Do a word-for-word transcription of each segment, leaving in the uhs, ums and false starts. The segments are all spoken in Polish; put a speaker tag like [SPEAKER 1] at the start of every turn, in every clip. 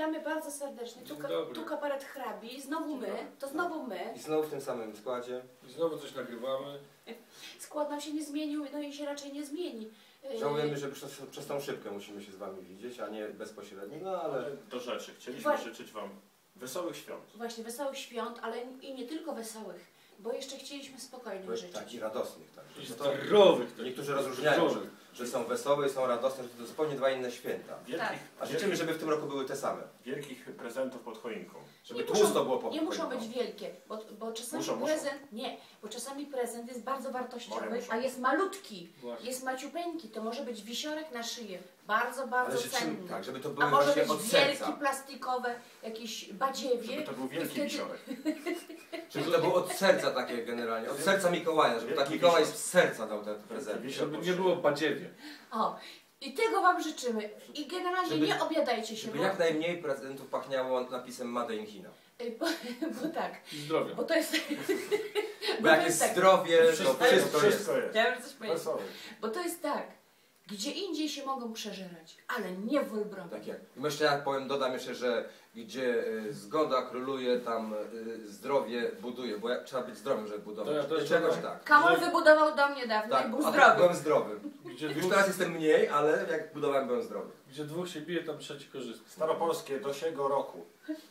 [SPEAKER 1] Witamy bardzo serdecznie. Tu, tu kabaret hrabi, znowu my, to znowu my.
[SPEAKER 2] I znowu w tym samym składzie.
[SPEAKER 3] I znowu coś nagrywamy.
[SPEAKER 1] Skład nam się nie zmienił, no i się raczej nie zmieni.
[SPEAKER 2] Żałujemy, że przez, przez tą szybkę musimy się z wami widzieć, a nie bezpośrednio, no ale...
[SPEAKER 4] ale do rzeczy. Chcieliśmy
[SPEAKER 1] Właśnie.
[SPEAKER 4] życzyć wam wesołych świąt.
[SPEAKER 1] Właśnie, wesołych świąt, ale i nie tylko wesołych, bo jeszcze chcieliśmy spokojnych życzyć.
[SPEAKER 2] Tak, i radosnych. Tak.
[SPEAKER 3] I
[SPEAKER 2] To,
[SPEAKER 3] zdrowych.
[SPEAKER 2] niektórzy rozróżniają, że, że są wesołe i są radosne, że to zupełnie dwa inne święta.
[SPEAKER 4] Wielkich,
[SPEAKER 1] Tak.
[SPEAKER 2] A życzymy, żeby w tym roku były te same.
[SPEAKER 4] wielkich prezentów pod choinką.
[SPEAKER 2] Żeby
[SPEAKER 1] Nie
[SPEAKER 2] tłusto
[SPEAKER 1] muszą,
[SPEAKER 2] było po
[SPEAKER 1] nie muszą być
[SPEAKER 2] choinką.
[SPEAKER 1] wielkie, bo, bo czasami
[SPEAKER 4] Muszą, muszą.
[SPEAKER 1] prezent, nie, bo czasami prezent jest bardzo wartościowy,
[SPEAKER 4] Moje muszą.
[SPEAKER 1] a jest malutki,
[SPEAKER 3] Właśnie.
[SPEAKER 1] jest maciupeńki, to może być wisiorek na szyję, bardzo, bardzo
[SPEAKER 2] Ale życzymy,
[SPEAKER 1] cenny.
[SPEAKER 2] tak, żeby to
[SPEAKER 1] A
[SPEAKER 2] były
[SPEAKER 1] może
[SPEAKER 2] właśnie
[SPEAKER 1] być
[SPEAKER 2] od
[SPEAKER 1] wielki,
[SPEAKER 2] serca.
[SPEAKER 1] plastikowe, jakieś badziewie.
[SPEAKER 4] Żeby to był
[SPEAKER 1] i
[SPEAKER 4] wielki
[SPEAKER 1] wtedy-
[SPEAKER 4] wisiorek.
[SPEAKER 2] Żeby to było od serca takie generalnie, od serca Mikołaja, żeby tak Mikołaj z serca dał te prezenty.
[SPEAKER 3] Żeby nie było badziewie.
[SPEAKER 1] O, i tego wam życzymy. I generalnie
[SPEAKER 2] Żeby-
[SPEAKER 1] nie obiadajcie się,
[SPEAKER 2] Żeby
[SPEAKER 1] bo,
[SPEAKER 2] jak najmniej prezentów pachniało napisem Made in China.
[SPEAKER 1] bo, bo tak,
[SPEAKER 3] I zdrowia.
[SPEAKER 1] bo to jest...
[SPEAKER 2] Bo jak jest
[SPEAKER 1] tak,
[SPEAKER 2] zdrowie, to
[SPEAKER 4] Wszystko,
[SPEAKER 2] wszystko jest.
[SPEAKER 4] wszystko jest.
[SPEAKER 1] chciałam coś powiedzieć.
[SPEAKER 4] Wesołych.
[SPEAKER 1] Bo to jest tak, gdzie indziej się mogą przeżerać, ale nie w Wolbrowie.
[SPEAKER 2] Tak jak. I jeszcze ja powiem, dodam jeszcze, że gdzie y, zgoda króluje, tam y, zdrowie buduje, bo ja, trzeba być zdrowym, żeby budować.
[SPEAKER 3] To ja też
[SPEAKER 2] Czegoś
[SPEAKER 3] dodam.
[SPEAKER 2] tak.
[SPEAKER 1] Kamol
[SPEAKER 3] Że-
[SPEAKER 1] wybudował dom niedawno
[SPEAKER 2] Tak,
[SPEAKER 1] i był
[SPEAKER 2] a
[SPEAKER 1] zdrowy.
[SPEAKER 2] byłem zdrowy.
[SPEAKER 3] Gdzie
[SPEAKER 2] Już
[SPEAKER 3] dwóch,
[SPEAKER 2] teraz jestem mniej, ale jak budowałem, byłem zdrowy.
[SPEAKER 3] gdzie dwóch się bije, tam trzeci korzysta.
[SPEAKER 4] Staropolskie do siego roku.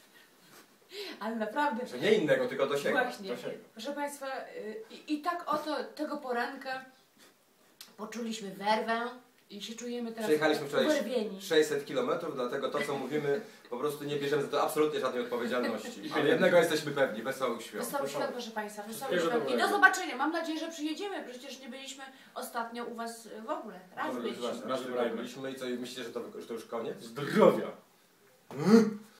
[SPEAKER 1] Ale naprawdę,
[SPEAKER 2] Że nie innego, tylko do siebie.
[SPEAKER 1] właśnie,
[SPEAKER 4] Do siego.
[SPEAKER 1] proszę Państwa, y, i, i tak oto tego poranka poczuliśmy werwę i się czujemy teraz
[SPEAKER 2] Przejechaliśmy wczoraj
[SPEAKER 1] uwerwieni.
[SPEAKER 2] sześćset kilometrów, dlatego to, co mówimy, po prostu nie bierzemy za to absolutnie żadnej odpowiedzialności. Ale jednego jesteśmy pewni, wesołych świąt.
[SPEAKER 1] Wesołych świąt, proszę Państwa, wesołych
[SPEAKER 3] Wszystkiego
[SPEAKER 1] świąt. I do
[SPEAKER 3] dobrego.
[SPEAKER 1] zobaczenia. Mam nadzieję, że przyjedziemy. Przecież nie byliśmy ostatnio u Was w ogóle. Raz
[SPEAKER 3] Dobrze,
[SPEAKER 1] byliśmy.
[SPEAKER 3] właśnie.
[SPEAKER 2] Raz wybraliśmy i co, i myślicie, że to, że to już koniec?
[SPEAKER 3] Zdrowia.